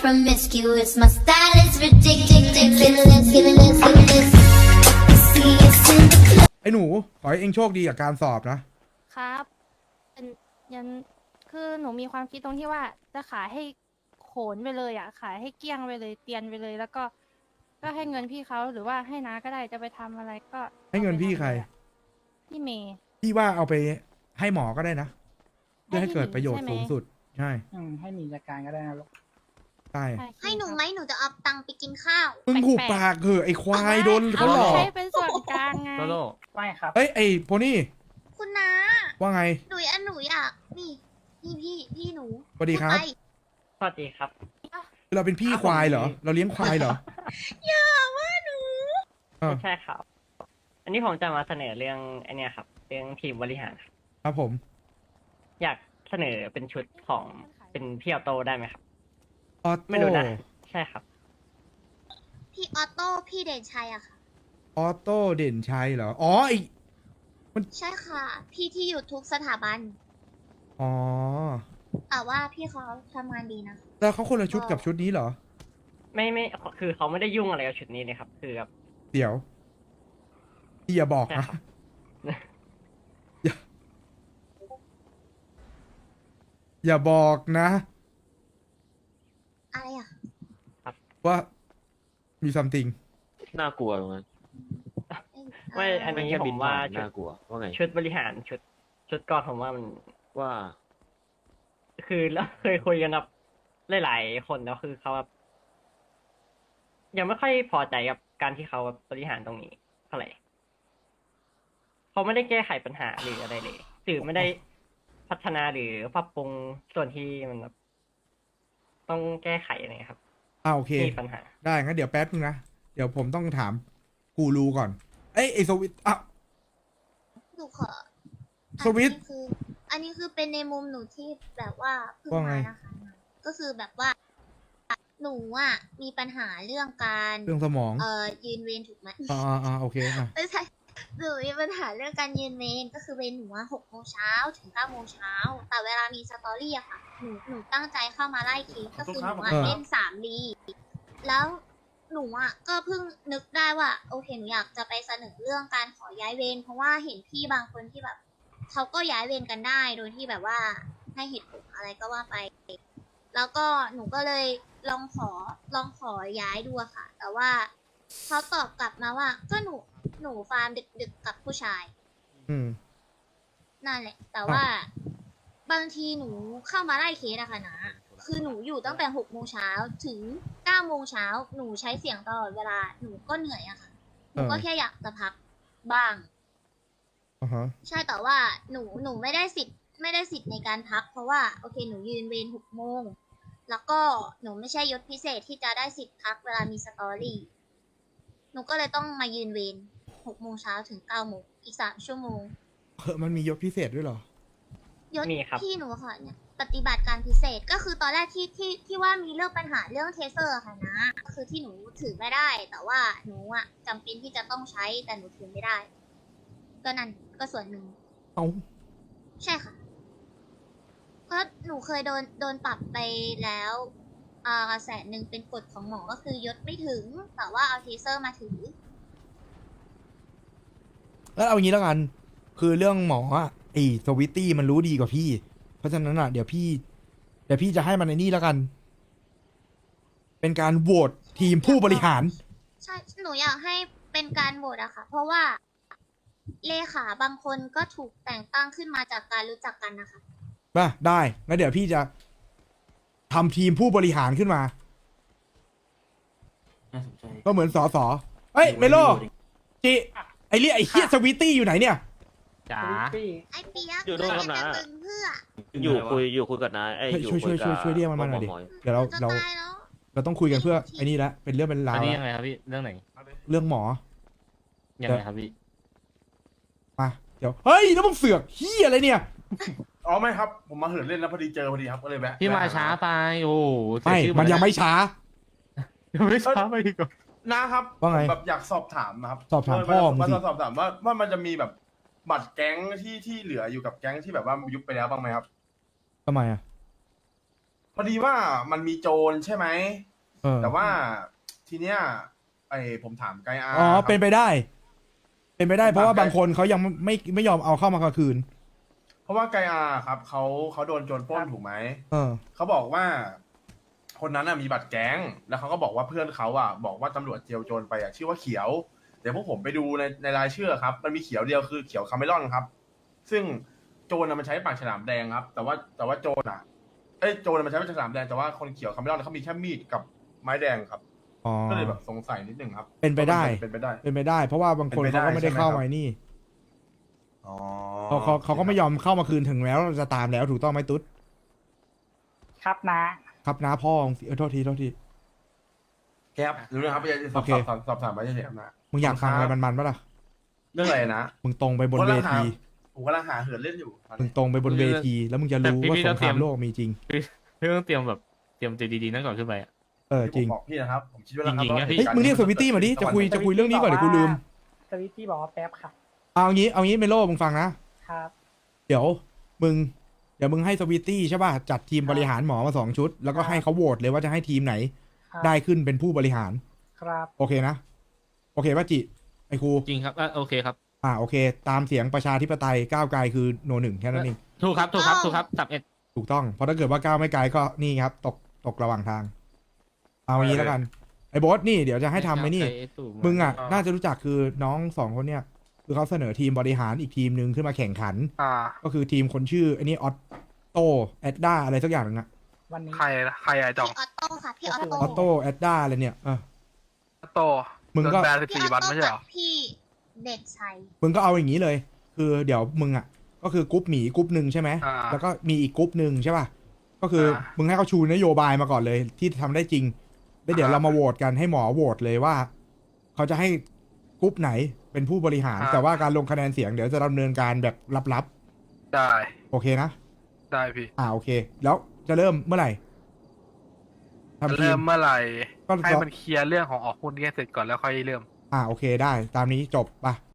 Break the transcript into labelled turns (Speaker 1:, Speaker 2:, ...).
Speaker 1: promiscuous. My style is ridiculous. Ridiculous. See us in the club.
Speaker 2: ไอ้หนูขอให้เองโชคดีกับการสอบนะ
Speaker 3: ครับเป็นยันคือหนูมีความคิดตรงที่ว่าจะขายให้โขนไปเลยอ่ะ ขายให้เกลี้ยงไปเลยเตียนไปเลย แล้วก็ให้เงินพี่เขาหรือว่าให้น้าก็ได้จะไปทำอะไรก็
Speaker 2: ให้เงินพี่ใคร
Speaker 3: พี่เมย์
Speaker 2: พี่ว่าเอาไปให้หมอก็ได้นะเพื่อให้เกิดประโยชน์
Speaker 3: ให้พี่หมี
Speaker 2: สูงสุดใช่
Speaker 4: ให้มีจัดการก็ได้นะลูก
Speaker 2: ใช่
Speaker 5: ให้หนูไหมหนูจะเอาตังค์ไปกินข้าว
Speaker 2: มึงหูปากเถอะไอ้ควายโดนเขาหลอก
Speaker 3: ใช้เป็นส่วนกลางไง
Speaker 6: โลโล
Speaker 4: ไม่ครับ
Speaker 2: เอ้ยไอ้โพนี่
Speaker 5: คุณน้า
Speaker 2: ว่าไง
Speaker 5: หนูอยากนี่พี่หนู
Speaker 2: สวัสดีครับ
Speaker 5: พูไป
Speaker 6: สวัสดีครับ
Speaker 2: เราเป็นพี่ควายเหรอ เราเลี้ยงควายเหรอ
Speaker 5: อย่าว่าหนู
Speaker 2: เออ
Speaker 6: ไม่ใช่ครับ อันนี้ผมจะมาเสนอเรื่องไอเนี้ยครับ เรื่องทีมบริหารครับ
Speaker 2: ครับผม
Speaker 6: อยากเสนอเป็นชุดของเป็นพี่ออโต้ได้ไหมครับ
Speaker 2: ออ
Speaker 6: ไม่
Speaker 2: โต้
Speaker 6: รู้นะ ใช่ครับ
Speaker 5: พี่ออโต้พี่เด่นชัยอะค่ะ
Speaker 2: ออโต้เด่นชัยเหรอ อ๋อไอ
Speaker 5: ใช่ค่ะ พี่ที่อยู่ทุกสถาบัน
Speaker 2: อ๋อ
Speaker 5: แต่ว่าพี่เขาทำงานดีนะ
Speaker 2: แล้วเขาคนละชุดกับชุดนี้เหรอ
Speaker 6: ไม่คือเขาไม่ได้ยุ่งอะไรกับชุดนี้เลยครับ คือแบบ
Speaker 2: เดี๋ยวพี่อย่าบอก
Speaker 6: ใช่
Speaker 2: นะ
Speaker 6: ครับ
Speaker 2: อย่าบอกนะ
Speaker 5: อะไรอะ
Speaker 2: ว่ามีซัมติง
Speaker 7: น่ากลัวตรงนั้น
Speaker 6: ไม่ อันนี้ผมว่าชุด
Speaker 7: น่ากลัวว่าไง
Speaker 6: ชุดบริหารชุดก่อนผมว่ามัน
Speaker 7: ว่า
Speaker 6: คือแล้วเคยคุยกันกับหลายๆคนแล้วคือเขาแบบยังไม่ค่อยพอใจกับการที่เขาบริหารตรงนี้เท่าไหร่เขาไม่ได้แก้ไขปัญหาหรืออะไรเลยหรือไม่ได้พัฒนาหรือปรับปรุงส่วนที่มันแบบต้องแก้ไขอะไรครับ
Speaker 2: โอเค
Speaker 6: มีปัญหา
Speaker 2: ได้งั้นเดี๋ยวแป๊บนึงนะ เดี๋ยวผมต้องถามกูรูก่อน เอ้ยไอสวิตอ่ะ
Speaker 5: หนูขอ
Speaker 2: สวิตช์
Speaker 5: อันนี้คือเป็นในมุมหนูที่แบบว่าเพิ่ง
Speaker 2: ว่าไง
Speaker 5: มานะคะก็คือแบบว่า หนูอะมีปัญหาเรื่องการ
Speaker 2: เรื่องสมอง
Speaker 5: ยืนเวรถูกไหม
Speaker 2: โอเคอ่ะ
Speaker 5: ไม่ใช่หนูมีปัญหาเรื่องการยืนเวรก็คือเวรหนูว่า6 โมงเช้าถึง9 โมงเช้าแต่เวลามีสตอรี่อะค่ะหนูตั้งใจเข้ามาไล่เคสก็คือหนูอะเล่น3 ลีแล้วหนูอะก็เพิ่งนึกได้ว่าโอเคหนูอยากจะไปเสนอเรื่องการขอย้ายเวรเพราะว่าเห็นพี่บางคนที่แบบเขาก็ย้ายเวรกันได้โดยที่แบบว่าให้เหตุผลอะไรก็ว่าไป แล้วก็หนูก็เลยลองขอย้ายดูอะค่ะ แต่ว่าเขาตอบกลับมาว่า ก็หนูฟาร์มดึกๆกับผู้ชาย
Speaker 2: อืม
Speaker 5: นั่นแหละ แต่ว่าบางทีหนูเข้ามาไล่เคสอะค่ะนะคือหนูอยู่ตั้งแต่6 โมงเช้าถึง9 โมงเช้าหนูใช้เสียงตลอดเวลาหนูก็เหนื่อยอะค่ะหนูก็แค่อยากจะพักบ้าง
Speaker 2: อ่าฮะ
Speaker 5: ใช่แต่ว่าหนูไม่ได้สิทธิ์ในการพัก เพราะว่าโอเคหนูยืนเวร6 โมงแล้วก็หนูไม่ใช่ยศพิเศษที่จะได้สิทธิ์พักเวลามีสตอรี่หนูก็เลยต้องมายืนเวร6 โมงเช้าถึง9 โมงอีก3 ชั่วโมง
Speaker 2: มันมียศพิเศษด้วยเหรอ
Speaker 5: ยศ
Speaker 6: มีครับ
Speaker 5: พี่หนูค่ะเนี่ยปฏิบัติการพิเศษก็คือตอนแรกที่ว่ามีเรื่องปัญหาเรื่องเทเซอร์ค่ะนะก็คือที่หนูถือไม่ได้ แต่ว่าหนูอะจำเป็นที่จะต้องใช้แต่หนูถือไม่ได้ ก็นั่นก็ส่วนหนึ่ง
Speaker 2: เอา
Speaker 5: ใช่ค่ะก็หนูเคยโดนปรับไปแล้ว100,000เป็นกฎของหมอก็คือยศไม่ถึง แต่ว่าเอาเทเซอร์มาถือ
Speaker 2: แล้วเอางี้แล้วกัน คือเรื่องหมออ่ะไอ้สวิตตี้มันรู้ดีกว่าพี่ เพราะฉะนั้นอ่ะเดี๋ยวพี่จะให้มันในนี่แล้วกัน เป็นการโหวตทีมผู้บริหาร
Speaker 5: ใช่ หนูอยากให้เป็นการโหวตอะค่ะ เพราะว่าเลขาบางคนก็ถูกแต่งตั้งขึ้นมาจากการรู้จักกันนะคะ
Speaker 2: มาได้งั้นเดี๋ยวพี่จะทำทีมผู้บริหารขึ้นมา
Speaker 7: น่าสนใจ
Speaker 2: ก็เหมือนสสเอ้ยเมโลจิไอ้เรียไอ้เฮียสวิตตี้อยู่ไหนเนี่ย
Speaker 6: จ๋า
Speaker 5: ไอ้เปียก
Speaker 7: อยู่ด้วยครับนะ
Speaker 5: จะตึงเพื่อ
Speaker 7: อยู่คุยกับนายไอ้
Speaker 2: เฮ้ย
Speaker 7: อยู่
Speaker 2: ช่วย
Speaker 7: คุยกับ
Speaker 2: ช่วยเรียกมันมาหน่อยดิ
Speaker 7: หม
Speaker 2: เดี๋ยว
Speaker 5: จะ
Speaker 2: เรา
Speaker 5: ตายแล้ว
Speaker 2: เราต้องคุยกันเพื่อไอ้นี่ละเป็นเรื่องเป็นราว
Speaker 8: อันนี้
Speaker 2: ละ
Speaker 8: ยังไงครับพี่ เรื่องไหน
Speaker 2: เรื่องหมอ
Speaker 8: ยังไงครับพี่
Speaker 2: มาเดี๋ยวเฮ้ยแล้วมึงเสือกเฮียอะไรเนี่ย
Speaker 9: อ๋อไม่ครับ ผมมาเหินเล่นแล้วพอดีเจอพอดีครับก็เลยแวะ
Speaker 8: พี่มาช้าไป โอ้โหเสี
Speaker 2: ไม่
Speaker 8: ชื่อ
Speaker 2: มันยังไม่ช้า
Speaker 8: ยังไม่ช้าไปอีกเหรอ
Speaker 9: นะครับ
Speaker 2: ว่าไง
Speaker 9: ผมแบบอยากสอบถามนะครับ
Speaker 2: สอบถามพ่อมึง
Speaker 9: มา
Speaker 2: สิ
Speaker 9: สอบถามว่ามันจะมีแบบบัตรแก๊งที่เหลืออยู่กับแก๊งที่แบบว่ายุบไปแล้วบ้างไหมครับ
Speaker 2: ทำไมอ่ะ
Speaker 9: พอดีว่ามันมีโจรใช่ไหม
Speaker 2: เออ
Speaker 9: แต่ว่าทีเนี้ยผมถามไกอา
Speaker 2: อ๋อ
Speaker 9: ครับ
Speaker 2: เป็นไปได้ เป็นไปได้
Speaker 9: ผม
Speaker 2: เพราะว่า
Speaker 9: ถาม
Speaker 2: บางคนเขายังไม่ยอมเอาเข้ามากลางคืน
Speaker 9: เพราะว่าไกอาครับเขาโดนโจรปล้นถูกไหม
Speaker 2: เออ
Speaker 9: เขาบอกว่า คนนั้นมีบัตรแก๊งแล้วเขาก็บอกว่าเพื่อนเขาบอกว่าตำรวจเจียวโจรไปชื่อว่าเขียวเดี๋ยวพวกผมไปดูในรายชื่อครับ มันมีเขียวเดียวคือเขียวคาเมลอนครับ ซึ่งโจรมันใช้ปากฉลามแดงครับ แต่ว่าโจรโจรมันใช้ปากฉลามแดงแต่ว่าคนเขียวคาเมลอนเขามีแค่มีดกับไม้แดงครับ
Speaker 2: อ๋อ
Speaker 9: ก็เลยแบบสงสัยนิดนึงครับ
Speaker 2: เป็นไปได้
Speaker 9: เป็นไปได้
Speaker 2: เป็นไปได้ เพราะว่าบางคน
Speaker 9: เป็นไปได้
Speaker 2: เขาก็ไม่ได้เข้า
Speaker 9: ใช่ไหมครับ
Speaker 2: มานี่
Speaker 9: อ๋อ
Speaker 2: เขาก็ไม่ยอมเข้ามาคืนถึงแล้วจะตามแล้วถูกต้องไหมตุ๊ด
Speaker 4: ครับนะ
Speaker 2: ครับนะพ่อโทษที
Speaker 9: แก๊ปรู้นะครับไม่ใช่ส
Speaker 2: โอเค
Speaker 9: อบถามไม่ใช่ครับนะ
Speaker 2: มึงอยากฟังอะไรมันๆปะล่ะ
Speaker 9: เรื่องอะไรนะ
Speaker 2: มึงตรงไปบนเวที
Speaker 9: ผมกำลังหาเหินเล่นอยู่
Speaker 2: มึงตรงไปบนเวที แล้วมึงจะรู้ว่าสงครามโลกมีจริง
Speaker 8: พี่ต้องเตรียมใจดีๆนั่นก่อนขึ้นไปอะ
Speaker 2: เออจริง
Speaker 9: ผมบอกพี่นะครับ ผมคิดว่า
Speaker 8: จริงๆนะพี่
Speaker 2: เฮ้ยมึงเรียกสวิตตี้มาดิ จะคุยเรื่องนี้ก่อนเดี๋ยวกูลืม
Speaker 4: สวิตตี้บอกว่าแป๊บค่ะ
Speaker 2: เอางี้เมโลมึงฟังนะ
Speaker 4: ครับ
Speaker 2: เดี๋ยวมึงให้สวิตตี้ใช่ป่ะ จัดทีมบริหารหมอมา2 ชุด แล้วก็ให้เขาโหวตเลยว่าจะให้ทีมไหน
Speaker 4: ครับ
Speaker 2: ได้ขึ้นเป็นผู้บริหาร
Speaker 4: ครับ
Speaker 2: โอเคนะ โอเคป่ะจิ ไอ้ครู
Speaker 8: จริงครับโอเคครับ
Speaker 2: โอเค ตามเสียงประชาธิปไตยก้าวไกลคือโนหนึ่งแค่นั้นเอง
Speaker 8: ถูกครับ31
Speaker 2: ถูกต้อง เพราะถ้าเกิดว่าก้าวไม่ไกลก็นี่ครับ ตกระหว่างทาง เอางี้แล้วกัน ไอ้โบอสนี่เดี๋ยวจะให้ทำไหมนี่ มึงน่าจะรู้จักคือน้อง2 คนเนี่ย คือเขาเสนอทีมบริหารอีกทีมหนึ่งขึ้นมาแข่งขัน ก็คือทีมคนชื่อไอ้นี่ออตโตแอดด้าอะไรสักอย่างนึงอะ
Speaker 4: วันนี้
Speaker 10: ใครอะจอง
Speaker 5: พี่ออโต้ค่ะ พี่ออ
Speaker 2: อ
Speaker 5: โต้
Speaker 2: อโตแอดด้าอะไรเนี่ย
Speaker 10: โต
Speaker 2: มึงก็
Speaker 10: โดนแบน
Speaker 5: พี่อ
Speaker 10: 14
Speaker 5: อ
Speaker 10: วัน
Speaker 5: โต้
Speaker 10: ไม่ใช่เหร
Speaker 5: กั
Speaker 10: อ
Speaker 5: บพี่เด่นชัย
Speaker 2: มึงก็เอาอย่างนี้เลย คือเดี๋ยวมึงก็คือกรุ๊ปหมีกรุ๊ปหนึ่งใช่ไหม แล้วก็มีอีกกรุ๊ปหนึ่งใช่ป่ะ ก็คือมึงให้เขาชูนโยบายมาก่อนเลย ที่ทำได้จริง แล้วเดี๋ยวเรามาโหวตกันให้หมอโหวตเลยว่า เขาจะให้กรุ๊ปไหนเป็นผู้บริหาร แต่ว่าการลงคะแนนเสียงเดี๋ยวจะดำเนินการแบบลับ
Speaker 10: ได้
Speaker 2: ๆ โอเคนะ
Speaker 10: ได้พี่
Speaker 2: โอเค แล้วจะเริ่มเมื่อไหร่ทำที
Speaker 10: เริ่มเมื่อไหร่
Speaker 2: ก็
Speaker 10: ให้มันเคลียร์เรื่องของออกหุ้นกันเสร็จก่อนแล้วค่อยเริ่ม
Speaker 2: โอเคได้ ตามนี้จบป่ะ